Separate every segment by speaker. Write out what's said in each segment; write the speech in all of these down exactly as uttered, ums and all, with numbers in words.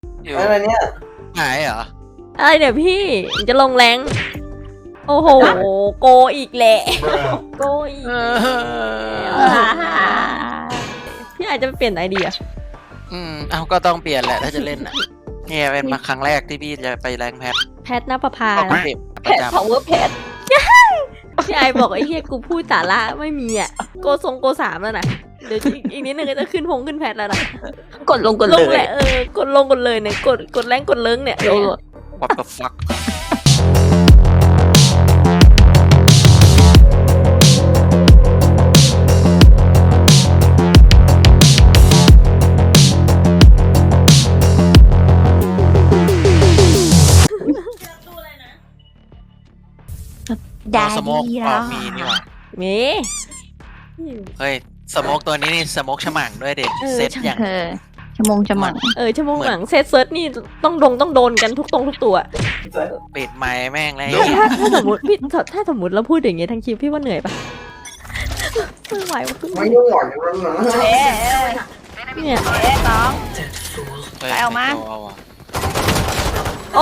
Speaker 1: อะไรเนี่ย
Speaker 2: หายเหรอ
Speaker 3: อะไรเนี่ยพี่จะลงแรงโอ้โหโกอีกแหละโกอีกพี่อาจจะเปลี่ยนไอเดีย
Speaker 2: อืมเอาก็ต้องเปลี่ยนแหละถ้าจะเล่นอ่ะเนี่ยเป็นมาครั้งแรกที่พี่จะไปแรงแพท
Speaker 3: แพทนภพา
Speaker 2: ก็ไม่
Speaker 3: นะ
Speaker 2: เก็บ
Speaker 1: แพ
Speaker 2: ประ
Speaker 1: ท
Speaker 2: จำ
Speaker 1: power แพท
Speaker 3: พี่ไอบอกไอ้เฮียกูพูดสาระไม่มีอ่ะโกทรงโกสามแล้วนะเดี๋ยวอีกนิดนึงก็จะขึ้นพงขึ้นแพทแล้วนะ
Speaker 1: กดลงกด
Speaker 3: ล
Speaker 1: เล
Speaker 3: งแห
Speaker 1: ย
Speaker 3: ละเออกดลงกดเลยเนี่ยกดกดแรงกดเลิ้งเนี่ย
Speaker 1: โอ้
Speaker 2: What the fuck
Speaker 1: ได้
Speaker 2: สโมก
Speaker 1: ดี
Speaker 2: อ
Speaker 1: แล้
Speaker 2: อ
Speaker 1: ว
Speaker 2: กมีนี่หว่า
Speaker 3: เม
Speaker 2: เฮ้ยสโมกตัวนี้นี่สโมกฉมังด้วยเด็ก
Speaker 3: เออ
Speaker 2: เซตอย่าง
Speaker 1: เออชั่วโมงจะหมั่ง
Speaker 3: เออชั่วโมงหลังเซตเซิร์ชนี่ต้องดงต้องโดนกันทุกตรงทุกตัว
Speaker 2: ปิดไม้แม่งเลย
Speaker 3: ถ้าถ้าสมมติพี่ถ้าถ้าสมมติเราพูดอย่างเงี้ยทั้งคลิปพี่ว่าเหนื่อยปะไม่ไหวว่ะขึ้น
Speaker 4: ไม่ยุ่งหน่อยอย่างนั้นนะ
Speaker 1: เอ๊ะ
Speaker 3: เนี่ย
Speaker 1: เอ๊ะน้อง
Speaker 2: ฮ้ย
Speaker 1: ไปเอามา
Speaker 2: เอาว่ะ
Speaker 3: โอ้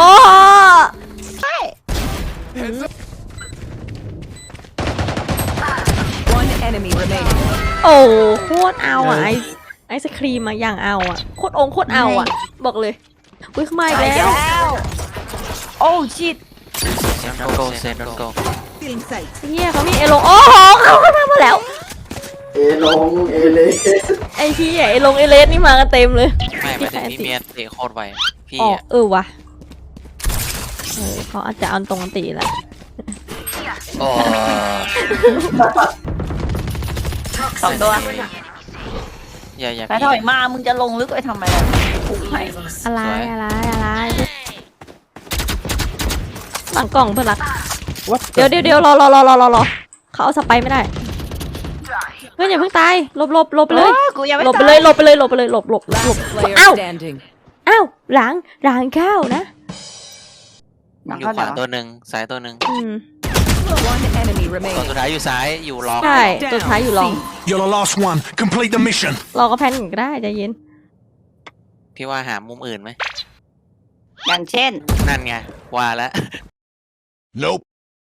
Speaker 5: One enemy remaining.
Speaker 3: โอ้โคตรเอาอ่ะไอไอศครีมมาอย่างเอาอ่ะโคตรองค์โคตรเอาอ่ะบอกเลยอุ้ยเข้ามาอีก
Speaker 1: ไป
Speaker 3: แล้ว
Speaker 1: แล้วโอ้ชิต
Speaker 2: เซนโกเซนโก
Speaker 5: Feeling sight.
Speaker 3: เฮียเขามีเอลงโอ้โหเขาเข้ามามาแล้ว
Speaker 4: เอลงเอเล
Speaker 3: ไอพี่ไอลงเอเลสนี่มากันเต็มเลย
Speaker 2: ไม่ไม่ถึงพี่เมียเตะโคตรไวพี่
Speaker 3: อ๋อ
Speaker 2: อ่ะ
Speaker 3: เออวะเออเขาอาจจะเอาตรงกันตีแหละ
Speaker 2: โอ้
Speaker 1: สองตัว
Speaker 2: อย่าอย่า
Speaker 1: ไปถอยมามึงจะลงลึกไปทำไมล่ะถูกไหม
Speaker 3: อะไรอะไรอะไรหลังกล่องเพื่อนรักเดี๋ยวเดี๋ยวเดี๋ยวรอรอรอรอรอรอเขาเอาสไปไม่ได้เพื่อนอย่าเพิ่งตายหลบหลบหลบไปเลย
Speaker 1: ออกูยังไม่
Speaker 3: หลบไป
Speaker 1: ตา
Speaker 3: เลยหลบไปเลยหลบไปเลยหลบหลบหลบ
Speaker 5: Last player
Speaker 3: อ้าว
Speaker 5: standing.
Speaker 3: อ้าวหลังหลังข้าวนะ
Speaker 2: อยู่ขวาตัวหนึ่งซ้ายตัวหนึ่ง
Speaker 3: อืม
Speaker 5: One enemy
Speaker 2: ตัว
Speaker 5: remaining.
Speaker 2: สุดท้ายอยู่ซ้ายอยู่ล็อก
Speaker 3: ใช่ตัวท้ายอยู่รอง
Speaker 6: You're the last one. Complete the mission.
Speaker 3: รอก็แพนก็ได้ใจเย็น
Speaker 2: พี่ว่าหามุมอื่นไหม
Speaker 1: อย่างเช่น
Speaker 2: นั่นไงว่าแล้ว
Speaker 6: Nope.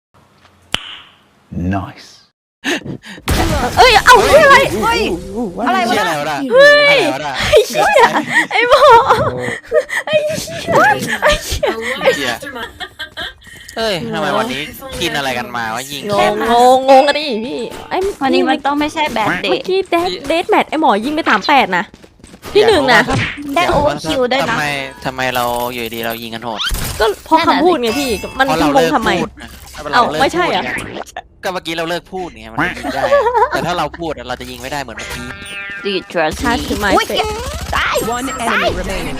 Speaker 4: nice
Speaker 3: เอ้ยเอ้าเฮ้ยอะไร
Speaker 1: เฮ้ยอะไรวะ
Speaker 2: เชี่ย
Speaker 1: น่ะ
Speaker 2: อะไรวะน่ะเฮ้ยอะไรวะน่ะ
Speaker 3: ไอ้เชี่ยไอ้หมอไอ้เชี่ยไอ้เชี่ย
Speaker 2: เชี่ยเฮ้ยทำไมวันนี้กินอะไรกันมาวะยิง
Speaker 3: งงงงงงกันดิพี่ไอ้
Speaker 1: วันนี้มันต้องไม่ใช่แบดเด
Speaker 3: เมื่อ
Speaker 1: ย์
Speaker 3: กี้เดทเดทแมทไอ้หมอยิงไปสามแปดนะที่หนึ่งนะ
Speaker 1: ได้โอเวอร์คิวด้วยนะ
Speaker 2: ทำไมทำไมเราอยู่ดีเรายิงกันโหด
Speaker 3: ก็เพราะคำพูดไงพี่มัน
Speaker 2: เพราะ
Speaker 3: คื
Speaker 2: เรา
Speaker 3: อง
Speaker 2: เลิ
Speaker 3: ง
Speaker 2: ก
Speaker 3: ทำไม
Speaker 2: พูดนะ
Speaker 3: เอ้า
Speaker 2: ลิก
Speaker 3: ไม่ใช่เหรอ
Speaker 2: พูดไงก็เมื่อกี้เราเลิกพูดไงมันยิงได้ แต่ถ้าเราพูดอะเราจะยิงไม่ได้เหมือนเมื่อกี้
Speaker 1: ดีทรัส
Speaker 3: ชาร์จถือไม้
Speaker 1: อุ้ย
Speaker 3: เสร็จ
Speaker 1: ตาย
Speaker 5: One enemy remaining.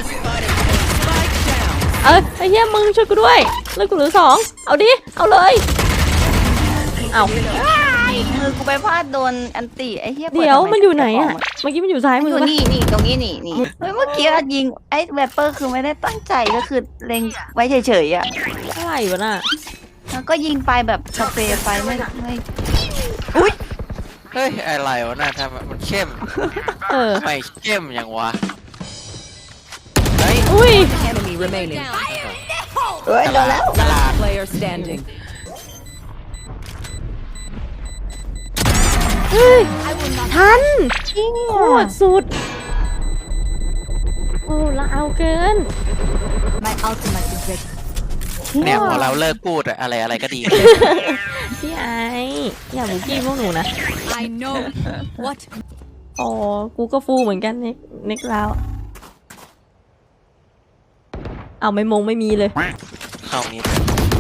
Speaker 3: เออไอ้เหี้ยมึงช่วยกูด้วยเลิกกูเหลือสองเอาดิเอาเลยเอา
Speaker 1: มือกูไปพลาดโดนอันติไอ้เหี้ยปิ
Speaker 3: เดี๋ยว
Speaker 1: ทำไ
Speaker 3: มันอยู่ไหนอะเมื่อกี้มันอยู่ซ้าย
Speaker 1: มัน
Speaker 3: มื
Speaker 1: อ
Speaker 3: อยู่ ปะ
Speaker 1: นี่นี่ตรงนี้นี่นี่เฮ้ยเมื่อกี้อะยิงไอ้แวปเปอร์คือไม่ได้ตั้งใจก็คือเล็งไว้เฉยๆอ่ะ
Speaker 3: อะไรวะน่ะ
Speaker 1: แล้วก็ยิงไปแบบสเปรย์ไฟไม่ไม่
Speaker 2: เฮ้ยอะไรวะน่ะทำไมมันเข้ม
Speaker 3: เออ
Speaker 2: ทำไมเข้มอย่างวะเฮ้ย
Speaker 3: อุ้ย
Speaker 5: Enemy remaining.
Speaker 1: เฮ้ยโดนแล้ว
Speaker 5: Last player standing.
Speaker 3: เฮ้ยทันโคตรสุดโอ้ละเอาเกิน
Speaker 2: เนี่ยพอเราเลิกพูดอะอะไรอะไรก็ดี
Speaker 3: พี่ไออย่าบุกี้พวกหนูนะ
Speaker 5: I know. What?
Speaker 3: อ๋อกูก็ฟูเหมือนกันเน็กเน็กแล้วเอาไม่มงไม่มีเลย
Speaker 2: เข้ามิด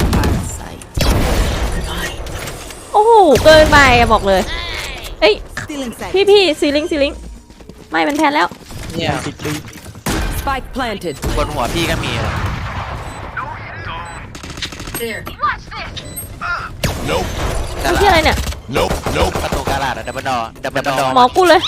Speaker 3: โอ้โหเกินไปอะบอกเลยเอ้ย
Speaker 5: Feeling sight.
Speaker 3: พี่พี่ซีลิงซีลิงไม่มันแทนแล้ว
Speaker 2: เนี่ย
Speaker 5: Spike planted.
Speaker 2: บนหัวพี่ก็มีอะ
Speaker 6: Nope.
Speaker 2: กา
Speaker 3: ที่อะไร
Speaker 2: ลาด
Speaker 3: เนี่ย
Speaker 6: Nope. Nope.
Speaker 2: ประตูกาลาดอะดับเบิลดอดับเบิลดอ
Speaker 3: หมอกูเลย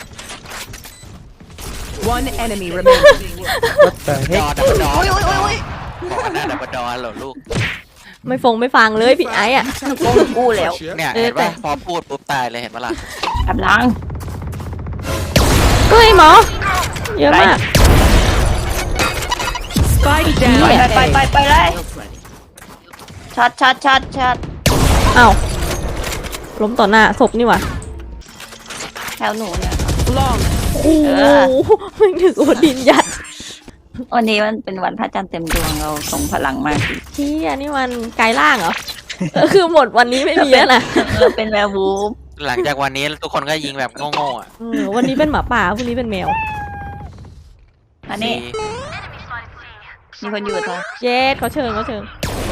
Speaker 5: One enemy remaining.
Speaker 2: ดอดับเบิลดอ
Speaker 1: อุ้ยอุ้ยอุ้ยอุ้ย
Speaker 2: บอกกันหน้าดับเบิลดอเหรอลูก
Speaker 3: ไม่ฟงไม่ฟังเลยพี่ไอ้อะ
Speaker 1: โกงกูแล้ว
Speaker 2: เนี่ย
Speaker 3: เออ
Speaker 2: เห็น
Speaker 3: แต่
Speaker 2: ปะพอพูดปุ๊บตายเลยเห็นปะล่ะ
Speaker 1: กำลัง
Speaker 3: เฮ้ยหมอเยอะมาก
Speaker 5: Spike
Speaker 1: ไป
Speaker 5: down.
Speaker 1: ไปไปไปเลยช็อตช็อตช็อตช็อต
Speaker 3: อ้าวล้มต่อหน้าศพนี่หว่า
Speaker 1: แถวหนูเนี่ย
Speaker 5: Long.
Speaker 3: โอ้โหไม่ถึงโอดินยัด
Speaker 1: วันนี้มันเป็นวันพระจันทร์เต็มดวงเราส่งพลังมากสิ
Speaker 3: ที่อันนี้มันกายล่างเหรอเออคือหมดวันนี้ไม่มีแล้วนะ
Speaker 1: เราเป็นแวร์วูฟ
Speaker 2: หลังจากวันนี้ทุกคนก็ยิงแบบโง่ๆอ่ะ
Speaker 3: เออวันนี้เป็นหมาป่าพรุ่งนี้เป็นแมว
Speaker 1: อันนี้
Speaker 2: สี่
Speaker 1: มีคนอยู่ตัว
Speaker 3: เจ็ดเขาเชิญเขาเชิญ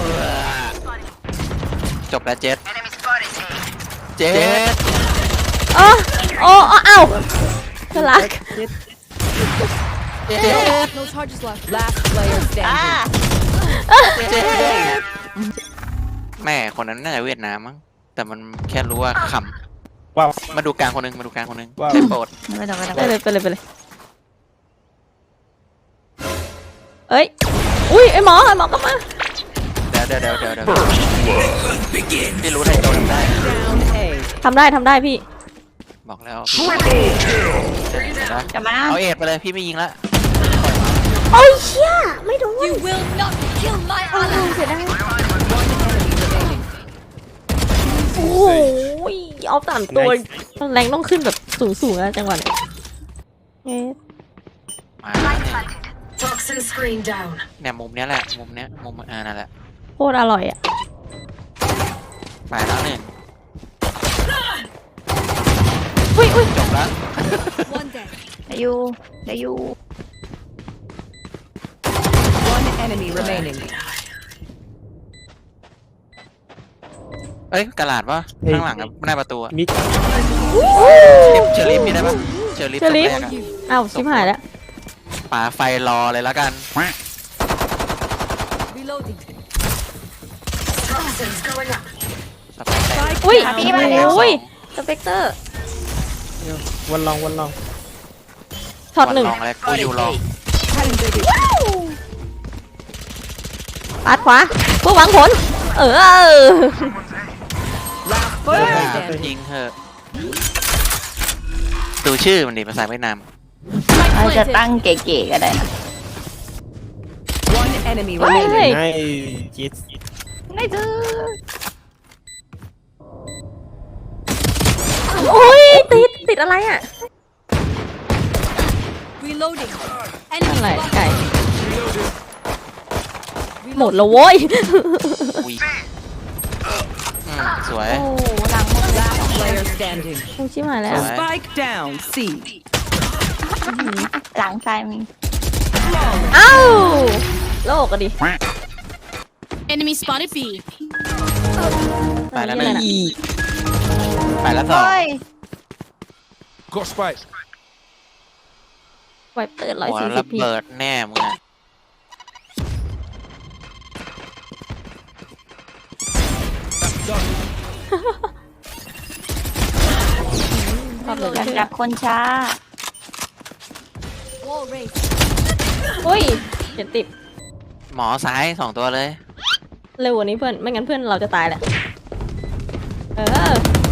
Speaker 2: จบแล้วเจ็ดเจ็ด
Speaker 3: อ๋อโอ้อ้าวสลัก
Speaker 2: เจ็ด
Speaker 5: No charges left. Last player
Speaker 1: อ่า
Speaker 5: standing.
Speaker 2: เจ็ดแม่คนนั้นน่าจะเวียดนามมั้งแต่มันแค่รู้ว่าข
Speaker 4: ว้าว
Speaker 2: ำมาดูกลางคนหนึงมาดูกลางคนหนึง
Speaker 4: ว้าว
Speaker 2: ใช้โปรด
Speaker 1: ไม่ต้องไม่ต้อง
Speaker 3: ไปเลยไปเลยไปเลยเอ้ยอุ้ยไอหมอไอหมอก็มา
Speaker 2: เดี๋ยวเดี๋ยวเดี๋ยวเดี๋ยวเดี๋ยวพี่รู้ได้โดนได้
Speaker 5: Down A.
Speaker 3: ทำได้ทำได้พี่
Speaker 2: บอกแล้ว
Speaker 6: Triple kill.
Speaker 2: เดี๋ยวนะ
Speaker 1: จะมา
Speaker 2: เอาเอ็ดไปเลยพี่ไม่ยิงละ
Speaker 3: โอ้ยเชี่ยไม่โดน
Speaker 5: You will not kill my
Speaker 3: โอ้ย
Speaker 5: ally.
Speaker 3: เสียดาย
Speaker 5: One enemy remaining.
Speaker 3: โอ้โหเอาสามตัวแรงต้องขึ้นแบบสูงๆนะจังหวะเนี้ยเอ๊ะ
Speaker 2: มาแล้วเนี่ย
Speaker 7: Toxin screen down.
Speaker 2: เนี่ยมุมเนี้ยแหละมุมเนี้ยมุมอ่านั่นแหละ
Speaker 3: โคตรอร่อยอ่ะ
Speaker 2: ไปแล้วหนึ่ง
Speaker 3: อุ้ยอุ้ย
Speaker 2: จบแล้ว
Speaker 5: One dead.
Speaker 1: เดี๋ยวอยู่เดี๋ยวอยู่
Speaker 5: One enemy remaining.
Speaker 2: เอ้ยกระดาษปะข้างหลังอะหน้าประตูอะ
Speaker 4: มิก
Speaker 2: เชอร์ลิฟมีได้ปะเชอร์ลิฟ
Speaker 3: เชอร์ลิฟ
Speaker 2: ตรงแรกอะ
Speaker 3: อ้าวชิบหายแล้ว
Speaker 2: ป่าไฟรอเลยแล้วกัน
Speaker 5: Reloading.
Speaker 7: Toxins going up.
Speaker 2: สไปร์แตก
Speaker 3: อุ้ย
Speaker 1: มาพี่มาเร็ว
Speaker 3: อุ้ยสเปกเตอร์
Speaker 4: วันลองวันลอง
Speaker 3: ช็อตหนึ่ง
Speaker 2: วันลองเลยกูอยู่รอง
Speaker 3: ปาดขวาเพื่อหวังผล เออ
Speaker 5: Last
Speaker 2: เออ
Speaker 5: player standing.
Speaker 2: ยิงเถอะดูชื่อมันดิภาษาเวียดนาม
Speaker 1: เราจะตั้งเก๋ๆก็ได้นะ
Speaker 5: One enemy
Speaker 3: เฮ้ย
Speaker 5: remaining.
Speaker 4: ให้จิต
Speaker 1: ไม่ซื้อ
Speaker 3: โอ้ยติดติดอะไรอ่ะ
Speaker 5: Reloading.
Speaker 3: อะไรไก่หมดแล้วโว้ย
Speaker 2: อุ้ยอืมสวย
Speaker 1: โอ้หลังหมดเลย
Speaker 5: Last player standing.
Speaker 3: โอ้ยชิบหายแล้ว
Speaker 2: Right.
Speaker 5: Spike down. C.
Speaker 1: หลังซ้ายมี
Speaker 3: เอ้าโลกอะดิ
Speaker 7: Enemy spotted B.
Speaker 2: ไปแล้วห
Speaker 3: เอ
Speaker 2: นึ่
Speaker 3: อง นี่
Speaker 2: ไปแล้วสอง
Speaker 1: เฮ้ย
Speaker 6: Got spike.
Speaker 3: ไวเปิดร้อย
Speaker 2: หัว
Speaker 3: สี่สิ
Speaker 2: ระ
Speaker 3: บพี
Speaker 2: เบิดแน่มึงอะ
Speaker 3: ชอบเลย
Speaker 1: อยากจับคนช้า
Speaker 5: Wall raised.
Speaker 3: อุ้ยเขียนติด
Speaker 2: หมอซ้ายสองตัวเลย
Speaker 3: เร็วกว่านี้เพื่อน ไม่งั้นเพื่อนเราจะตายแหละ เออ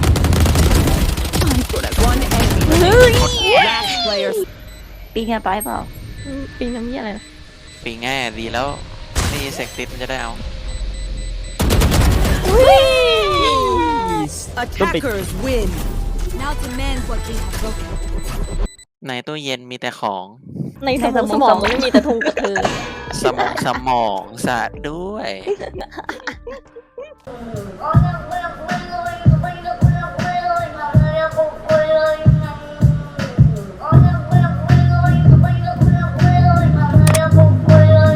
Speaker 5: One enemy.
Speaker 3: เฮ้ย
Speaker 5: Last player.
Speaker 1: ปีนกันไปเปล่า
Speaker 3: ปีนน้ำเยี่ยอะไรนะ
Speaker 2: ปีง่ายดีแล้วนี่เซ็กติสมันจะได้เอา
Speaker 3: อุ้ย
Speaker 5: Attackers win.
Speaker 7: Now demand what we have broken.
Speaker 2: ในตู้เย็นมีแต่ของ
Speaker 3: ในสมองสมองมันไม่มีแต่ทงกับเธอ
Speaker 2: สมองสมองสะด้วย
Speaker 1: โอ้